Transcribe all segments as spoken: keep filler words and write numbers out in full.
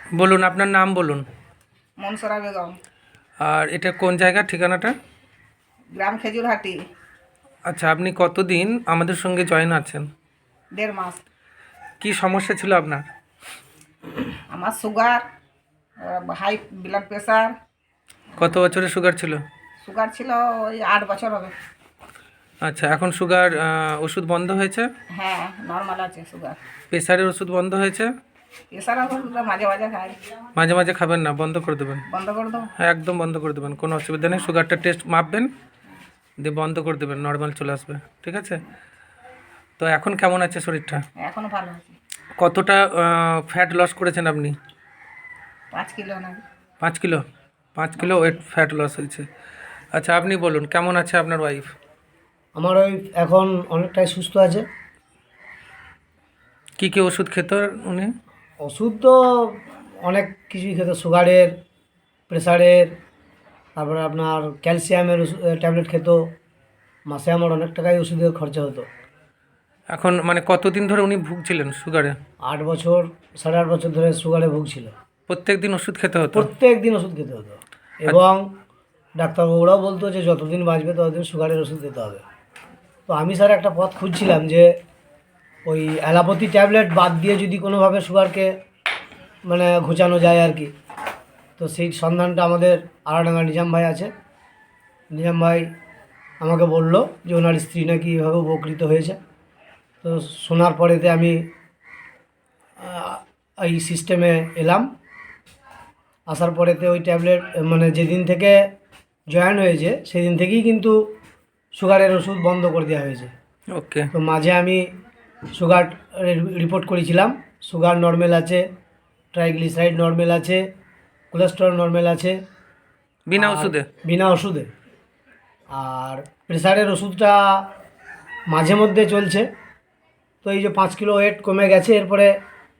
বলুন আপনার নাম বলুন। মনসুরা বেগম। আর এটা কোন জায়গা, ঠিকানাটা? গ্রাম খেজুরহাটি। আচ্ছা, আপনি কতদিন আমাদের সঙ্গে জয়েন আছেন? দেড় মাস। কি সমস্যা ছিল আপনার? আমার সুগার, হাই ব্লাড প্রেশার। কত বছরের সুগার ছিল? সুগার ছিল ওই আট বছর হবে। আচ্ছা, এখন সুগার ওষুধ বন্ধ হয়েছে? হ্যাঁ, নর্মাল আছে সুগার। প্রেশারের ওষুধ বন্ধ হয়েছে? প্রেশার ওষুধ মাঝে মাঝে খাই। মাঝে মাঝে খাবেন না, বন্ধ করে দেবেন। বন্ধ করে দেবো? হ্যাঁ, একদম বন্ধ করে দেবেন, কোনো অসুবিধা নেই। সুগারটা টেস্ট মাপবেন, দিয়ে বন্ধ করে দেবেন, নর্মাল চলে আসবে। ঠিক আছে? তো এখন কেমন আছে শরীরটা? এখনো ভালো আছে। কতটা ফ্যাট লস করেছেন আপনি? পাঁচ কিলো না। পাঁচ কিলো পাঁচ কিলো ওয়েট ফ্যাট লস হয়েছে। আচ্ছা, আপনি বলুন কেমন আছে আপনার ওয়াইফ? আমার ওয়াইফ এখন অনেকটাই সুস্থ আছে। কী কী ওষুধ খেত উনি? ওষুধ তো অনেক কিছুই খেত, সুগারের, প্রেশারের, তারপরে আপনার ক্যালসিয়ামের ট্যাবলেট খেত। মাসে আমার অনেক টাকাই ওষুধের খরচা হতো। এখন মানে কতদিন ধরে উনি ভুগছিলেন সুগারে? আট বছর সাড়ে আট বছর ধরে সুগারে ভুগছিল। প্রত্যেক দিন ওষুধ খেতে হতো? প্রত্যেক দিন ওষুধ খেতে হতো, এবং ডাক্তারবাবুরাও বলতো যে যতদিন বাঁচবে ততদিন সুগারের ওষুধ খেতে হবে। তো আমি স্যার একটা পথ খুঁজছিলাম যে ওই অ্যালোপ্যাথি ট্যাবলেট বাদ দিয়ে যদি কোনোভাবে সুগারকে মানে ঘুচানো যায় আর কি। তো সেই সন্ধানটা আমাদের আড়াডাঙ্গা নিজাম ভাই আছে। নিজাম ভাই আমাকে বললো যে ওনার স্ত্রী নাকি এভাবে উপকৃত হয়েছে। তো শোনার পরেতে আমি এই সিস্টেমে এলাম। আসার পরেতে ওই ট্যাবলেট মানে যেদিন থেকে জয়েন হয়েছে সেদিন থেকেই কিন্তু সুগারের ওষুধ বন্ধ করে দেওয়া হয়েছে। ওকে। তো মাঝে আমি সুগার রিপোর্ট করেছিলাম, সুগার নর্মাল আছে, ট্রাইগ্লিসারাইড নর্মাল আছে, কোলেস্টেরল নর্মাল আছে, বিনা ওষুধে? বিনা ওষুধে। আর প্রেশারের ওষুধটা মাঝে মধ্যে চলছে। তো এই যে পাঁচ কিলো ওয়েট কমে গেছে, এরপরে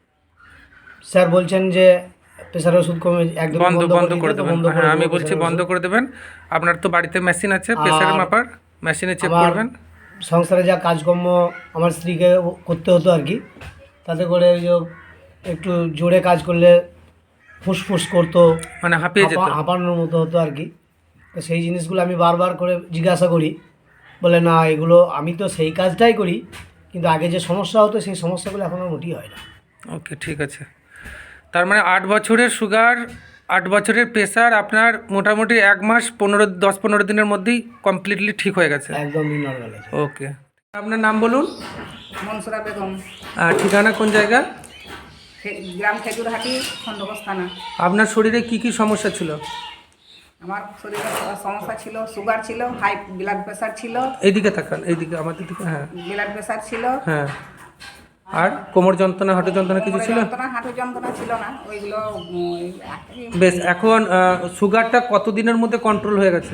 স্যার বলছেন যে প্রেশারের ওষুধ কমে একদম বন্ধ বন্ধ করে দেবেন। হ্যাঁ, আমি বলছি বন্ধ করে দেবেন। আপনার তো বাড়িতে মেশিন আছে প্রেশারের মাপার, মেশিনে চেক করবেন। সংসারে যা কাজকর্ম আমার স্ত্রীকে করতে হতো আর কি, তাতে করে ওই যে একটু জোরে কাজ করলে ফুসফুস করতো, মানে হাঁপিয়ে যেত, হাঁপানোর মতো হতো আর কি। তো সেই জিনিসগুলো আমি বারবার করে জিজ্ঞাসা করি, বলে না এগুলো আমি তো সেই কাজটাই করি, কিন্তু আগে যে সমস্যা হতো সেই সমস্যাগুলো এখন আর মোটেই হয় না। ওকে, ঠিক আছে। তার মানে আট বছরের সুগার, আট বছরের প্রেশার আপনার মোটামুটি এক মাস পনেরো দশ পনেরো দিনের মধ্যেই কমপ্লিটলি ঠিক হয়ে গেছে? একদম নর্মাল আছে। ওকে। আপনার নাম বলুন। মনসুরা বেগম। আর ঠিকানা কোন জায়গা? গ্রাম খেজুরহাটি, খণ্ডঘোষ থানা। আপনার শরীরে কি কি সমস্যা ছিল? আমার শরীরে সমস্যা ছিল, সুগার ছিল, হাই ব্লাড প্রেশার ছিল। এইদিকে তাকান, এইদিকে আমাদের দিকে। হ্যাঁ, ব্লাড প্রেশার ছিল। হ্যাঁ। আর কোমর যন্ত্রণা, হাঁটু যন্ত্রণা কিছু ছিল? যন্ত্রণা, হাঁটু যন্ত্রণা ছিল না, ওইগুলো। বেশ। এখন সুগারটা কতদিনের মধ্যে কন্ট্রোল হয়ে গেছে?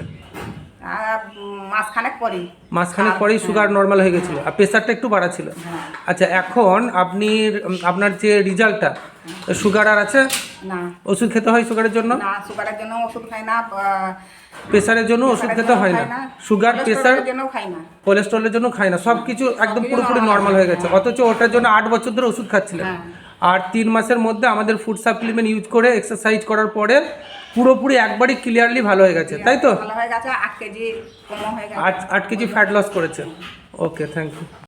মাসখানেক পরেই। মাসখানেক পরেই সুগার নর্মাল হয়ে গেছিলো, আর প্রেশারটা একটু বাড়া ছিল। আচ্ছা, এখন আপনি আপনার যে রেজাল্টটা, সুগার আর আছে না? ওষুধ খেতে হয় সুগারের জন্য? না, সুগারের জন্য ওষুধ খাই না। প্রেশারের জন্য ওষুধ খেতে হয় না, সুগার প্রেশার জন্য খাই না, কোলেস্ট্রলের জন্য খাই না, সব কিছু একদম পুরোপুরি নর্মাল হয়ে গেছে। অথচ ওটার জন্য আট বছর ধরে ওষুধ খাচ্ছিলেন। আর তিন মাসের মধ্যে আমাদের ফুড সাপ্লিমেন্ট ইউজ করে এক্সারসাইজ করার পরে পুরোপুরি একবারই ক্লিয়ারলি ভালো হয়ে গেছে, তাই তো? ভালো হয়ে গেছে। আট কেজি কম হয়ে গেছে। আট আট কেজি ফ্যাট লস করেছে। Okay, thank you.